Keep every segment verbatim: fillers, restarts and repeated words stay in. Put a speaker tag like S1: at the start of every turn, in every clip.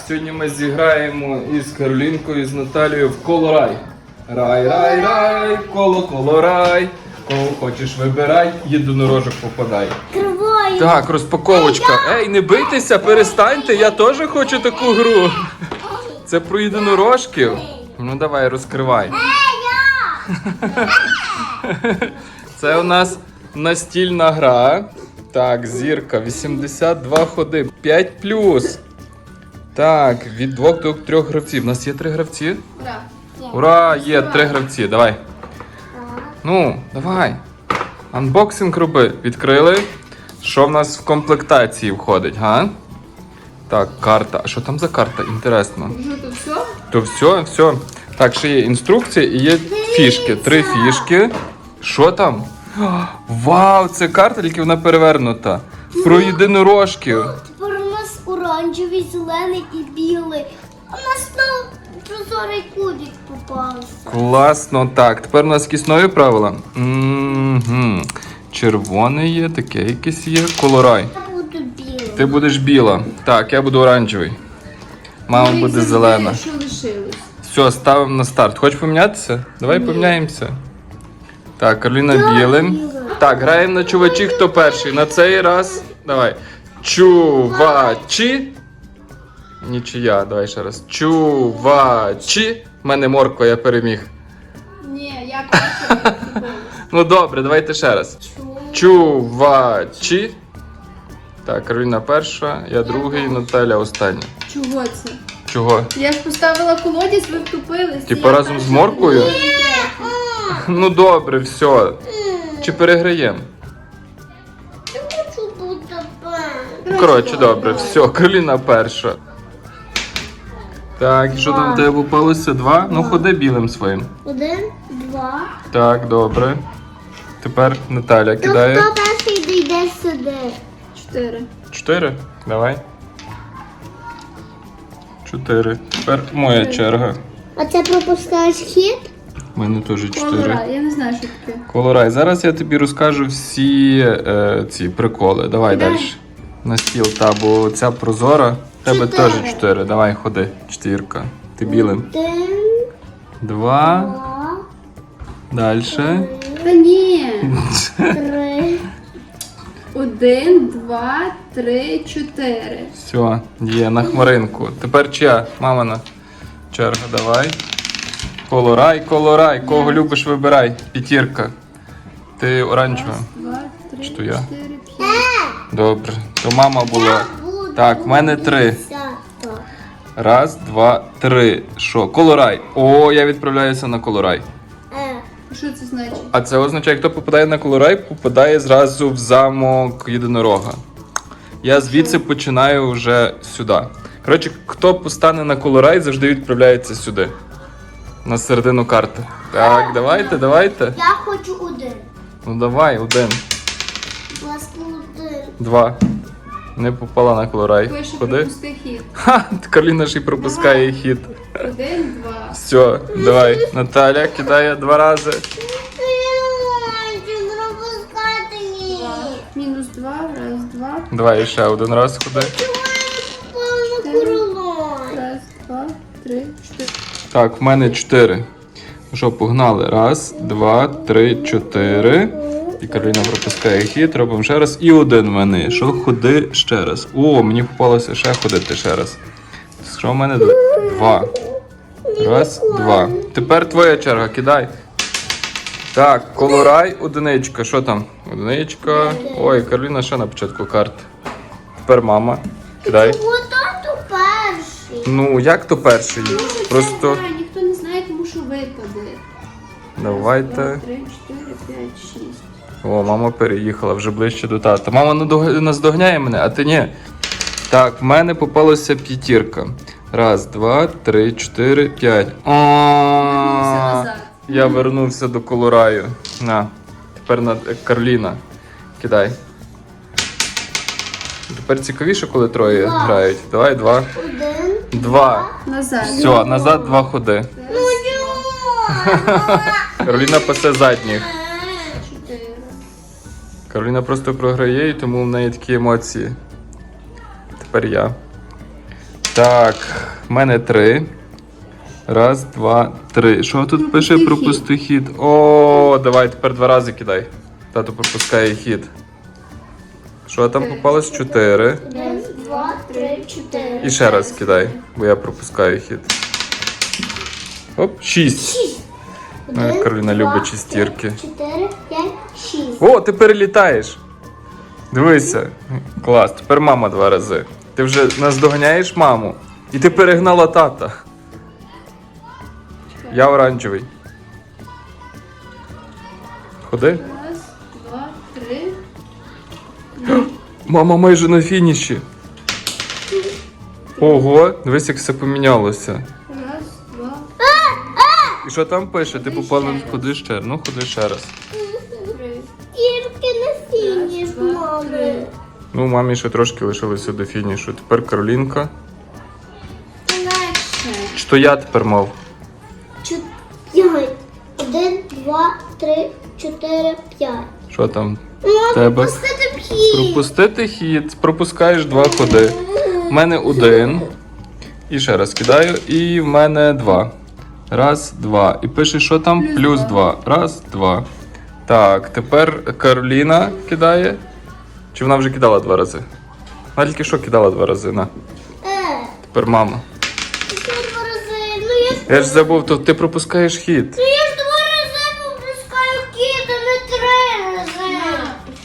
S1: Сьогодні ми зіграємо із Каролінкою, з Наталією в коло-рай. Рай, рай, рай, коло, коло, рай. Кого хочеш вибирай, єдинорожок попадай.
S2: Триваю.
S1: Так, розпаковочка. Ей, не бийтеся, перестаньте, я теж хочу таку гру. Це про єдинорожків. Ну давай, розкривай. Це у нас настільна гра. Так, зірка, вісімдесят два ходи, п'ять плюс. Так, від двох до трьох гравців. У нас є три гравці?
S2: Ура.
S1: Ура, є три гравці, давай. Ну, давай. Анбоксинг роби. Відкрили. Що в нас в комплектації входить, га? Так, карта. А що там за карта? Інтересно.
S2: Що, то все?
S1: То все, все. Так, ще є інструкція і є фішки. Три фішки. Що там? Вау, це карта, тільки вона перевернута. Про єдинорожків.
S2: Тепер у нас оранжевий, зелений і білий. У нас знову прозорий кубик попався.
S1: Класно. Так, тепер у нас якісь нові правила. Угу. Червоний є, таке якесь є. Колорай.
S2: Я буду білий.
S1: Ти будеш біла. Так, я буду оранжевий. Мама
S3: Ну,
S1: буде зелена.
S3: Що лишилось?
S1: Все, ставимо на старт. Хочеш помінятися? Давай
S3: Ні.
S1: поміняємося. Так, Кароліна
S2: Я
S1: білим.
S2: біла.
S1: Так, граємо на чувачі, хто перший. На цей раз. Давай. Чувачі. Нічия, давай ще раз. Чувачі. В мене морква, я переміг.
S3: Ні, я перша.
S1: Ну добре, давайте ще раз. Чувачі. Так, Кароліна перша, я другий, Наталя остання.
S3: Чого це?
S1: Чого?
S3: Я ж поставила колодязь, ви втупились.
S1: Типу
S3: Я
S1: разом з
S3: перша.
S1: морквою?
S3: Ні.
S1: Ну добре, все. Чи переграємо?
S2: Я хочу бути
S1: Ну, коротше, добре, все, Кароліна перша. Так, і що там в тебе попалося? Два? Ну ходи білим своїм.
S2: Один, два.
S1: Так, добре. Тепер Наталя
S2: То
S1: кидає.
S2: хто перший дійде сюди?
S3: Чотири.
S1: Чотири? Давай. Чотири. Тепер моя черга.
S2: А це пропускаєш хід?
S1: У мене теж чотири.
S3: Колора, я не знаю, що таке.
S1: Колорай. Зараз я тобі розкажу всі е, ці приколи. Давай
S3: Кидай.
S1: далі. На стіл, та, бо ця прозора. В тебе
S2: Чотири.
S1: теж чотири. Давай, ходи. Четвірка. Ти білим.
S2: Один,
S1: Два.
S2: два,
S1: Далі.
S3: Та ні.
S2: три.
S3: Один, два, три, чотири.
S1: Все, є на хмаринку. Тепер чия? Мамина черга, давай. Колорай, колорай. Кого любиш, вибирай. П'ятірка. Ти оранжева.
S3: Два, три,
S1: Що я?
S3: чотири, п'ять.
S1: Добре. То мама була.
S2: Буду
S1: Так, в мене три.
S2: десята.
S1: Раз, два, три. Що? Колорай. О, я відправляюся на колорай.
S2: Е,
S3: Що це значить?
S1: А це означає, хто попадає на колорай, попадає зразу в замок єдинорога. Я звідси починаю вже сюди. Коротше, хто постане на колорай, завжди відправляється сюди. На середину карти. Так, давайте, давайте.
S2: Я хочу один.
S1: Ну давай, один,
S2: Будь ласка, один.
S1: два. Не попала на колорай.
S3: Пише
S1: Ходи.
S3: пропусти хід.
S1: Ха, Кароліна ж і пропускає хід.
S3: Один, два.
S1: Все, давай. Наталя кидає два рази.
S2: Я хочу пропускати її.
S3: Мінус два, раз, два.
S1: Давай ще один раз ходи.
S2: Повно крило.
S3: Раз, два, три, чотири.
S1: Так, в мене чотири. Що, погнали? Раз, два, три, чотири. І Кароліна пропускає хід, робимо ще раз. І один в мене. Що, ходи ще раз. О, мені попалося ще ходити ще раз. Що в мене? Два. Раз, два. Тепер твоя черга, кидай. Так, колорай, одиничка. Що там? Одиничка. Ой, Кароліна ще на початку карти. Тепер мама. Кидай.
S2: Ото перший.
S1: Ну, як то перший? Просто
S3: Знаю, ніхто не знає, тому що випаде.
S1: давайте.
S3: Два, три, чотири, п'ять, шість.
S1: О, мама переїхала вже ближче до тата. Мама надог- наздогняє мене, а ти ні. Так, в мене попалася п'ятірка. Раз, два, три, чотири, п'ять.
S3: Вернувся назад.
S1: Я вернувся до колораю. На. Тепер на Карліна. Кидай. Тепер цікавіше, коли троє
S2: Два.
S1: грають. Давай, два.
S2: Один.
S1: Два.
S3: Назад.
S1: Все, назад два ходи.
S2: Ну чому?
S1: Кароліна пасе задніх.
S3: Чотири.
S1: Кароліна просто програє, і тому в неї такі емоції. Тепер я. Так, в мене три. Раз, два, три. Що тут пише?
S3: Пропусти
S1: Пропусти хід. О, давай тепер два рази кидай. Тато пропускає хід. Що там попалось? Чотири.
S2: Один, два, три, чотири.
S1: І ще раз кидай, бо я пропускаю хід. Оп, шість.
S2: Шість.
S1: Моя
S2: Один,
S1: Кароліна
S2: два,
S1: любить шістірки.
S2: три, чотири, п'ять, шість.
S1: О, ти перелітаєш. Дивися. Клас, тепер мама два рази. Ти вже наздоганяєш маму. І ти перегнала тата. Я оранжевий. Ходи.
S3: Раз, два, три.
S1: Мама майже на фініші. Ого, дивись, як все помінялося.
S3: Раз, два,
S1: І що там пише? Ти
S3: Ходи
S1: попала,
S3: ще раз.
S1: ходи ще. Ну, ходи ще раз.
S3: три.
S2: Тільки на фініш,
S3: Раз, два, три.
S2: мами.
S1: Ну, мамі ще трошки лишилося до фінішу. Тепер Каролінка.
S3: Легше.
S1: Чи то я тепер мав?
S2: Чот- П'ять. Один, два, три, чотири, п'ять.
S1: Що там?
S2: Мама,
S1: Тебе?
S2: пустити п'ять.
S1: Пропустити хід. Пропускаєш два ходи. У мене один. І ще раз кидаю. І в мене два. Раз, два. І пише, що там?
S3: Плюс
S1: Плюс
S3: два.
S1: два. Раз, два. Так, тепер Кароліна кидає. Чи вона вже кидала два рази? Вона тільки що кидала два рази. На.
S2: Е,
S1: Тепер мама.
S2: це два рази. Ну я ж,
S1: Я ж забув, то ти пропускаєш хід.
S2: ну, я ж два рази пропускаю кіт, а не три рази.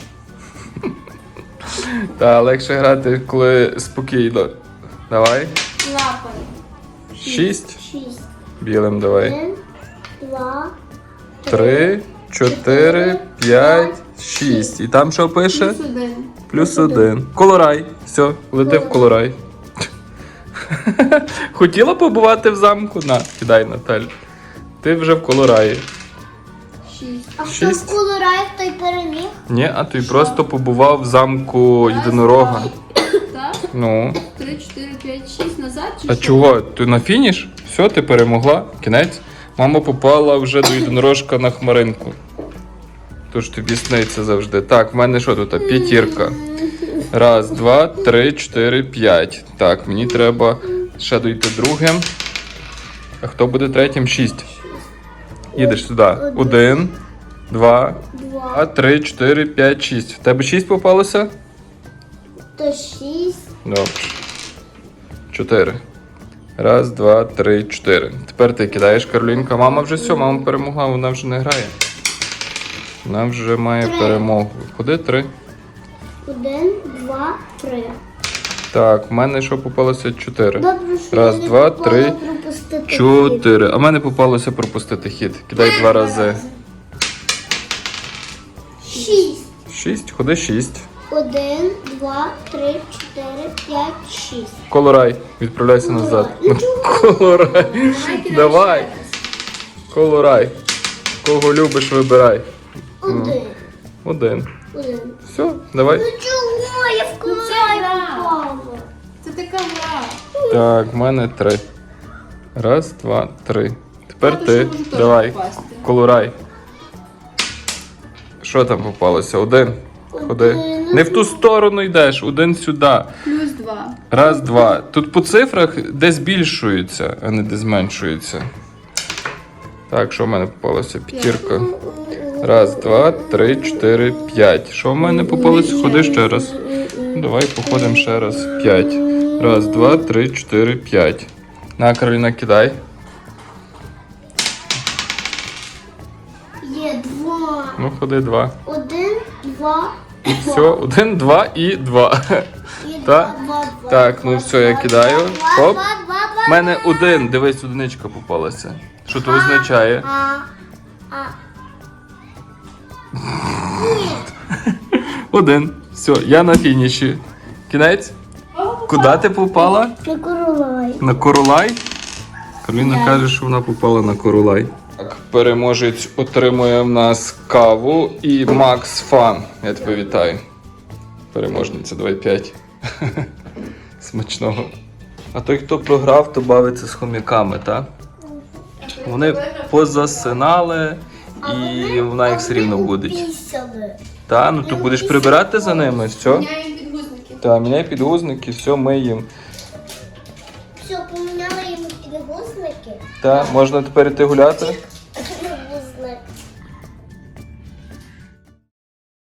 S1: Та легше грати, коли спокійно. Давай.
S3: Лапай.
S1: Шість.
S2: Шість.
S1: Білим давай.
S2: Один, два,
S1: Три, чотири, п'ять, шість. І там що пише?
S3: Плюс один.
S1: Плюс один. Колорай. Все, лети в колорай. Хотіла побувати в замку? На, кидай, Наталь. Ти вже в колораї.
S3: Шість.
S2: А хто
S1: Шість.
S2: в колораїв, той переміг?
S1: Ні, а ти просто побував в замку єдинорога.
S3: Так.
S1: Ну.
S3: Три, чотири, п'ять, шість. Назад чи
S1: А
S3: що?
S1: чого? Ти на фініш? Все, ти перемогла. Кінець. Мама попала вже до єдинорожка на хмаринку. Тож тобі сниться завжди. Так, в мене що тут? П'ятірка. Раз, два, три, чотири, п'ять. Так, мені треба ще дойти другим. А хто буде третім? Шість. Їдеш сюди. Один, два,
S2: Два.
S1: три, чотири, п'ять, шість. В тебе шість попалося?
S2: То шість.
S1: Добре. Чотири. Раз, два, три, чотири. Тепер ти кидаєш, Каролінка. Мама вже все, мама перемогла, вона вже не грає. Вона вже має
S2: Три.
S1: перемогу. Куди три?
S2: Один, два, три.
S1: Так, в мене що попалося? Чотири.
S2: Добре, що
S1: Раз,
S2: я не
S1: два,
S2: попала
S1: три,
S2: пропустити хід.
S1: Чотири. А в мене попалося пропустити хід. Кидай два рази.
S2: Шість.
S1: Шість. Ходи шість.
S2: Один, два, три, чотири, п'ять, шість.
S1: Колорай. Відправляйся назад.
S2: Ну чого?
S1: Колорай.
S3: Давай, кидай
S1: Давай.
S3: ще раз.
S1: Колорай. Кого любиш, вибирай.
S2: Один.
S1: Один.
S2: Один.
S1: Все, давай.
S2: Ну чого? Я в
S3: Ну, це
S2: колорай
S3: гра.
S2: попала.
S3: Це така гра.
S1: Так, в мене три. Раз, два, три. Тепер
S3: Тато
S1: ти.
S3: ще може теж
S1: Давай.
S3: попасти.
S1: Колорай. Що там попалося? Один. Ходи.
S2: Один.
S1: Не в ту сторону йдеш, один сюди.
S3: Плюс два.
S1: Раз, два. Тут по цифрах де збільшуються, а не де зменшуються. Так, що в мене попалося? П'ятірка. Раз, два, три, чотири, п'ять. Що в мене попалося? Ходи ще раз. Ну, давай походимо ще раз. П'ять. Раз, два, три, чотири, п'ять. На, Кароліна, кидай.
S2: Є два.
S1: Ну, ходи два.
S2: Один, два,
S1: Все, один, два і два.
S2: і
S1: Так?
S2: два, два, два.
S1: Так, ну все, я
S2: два,
S1: кидаю.
S2: два,
S1: Хоп.
S2: два, два, два,
S1: У мене один, дивись, одиничка попалася. Що це означає?
S2: А, а.
S1: Один. Все, я на фініші. Кінець? Куди ти попала?
S2: На королай.
S1: На Королай? Кароліна
S2: Да.
S1: каже, що вона попала на Королай. Так, переможець отримує в нас каву і Макс Фан. Я тебе вітаю. Переможниця, давай п'ять. Смачного. А той, хто програв, то бавиться з хомяками, так? Вони позасинали і вона їх все рівно буде.
S2: Пісяли.
S1: Та, ну то будеш прибирати за ними, все?
S3: Міняємо підгузники.
S1: Та, міняй підгузники, все, ми їм.
S2: поміняли їм підгузники.
S1: Так, можна тепер іти гуляти?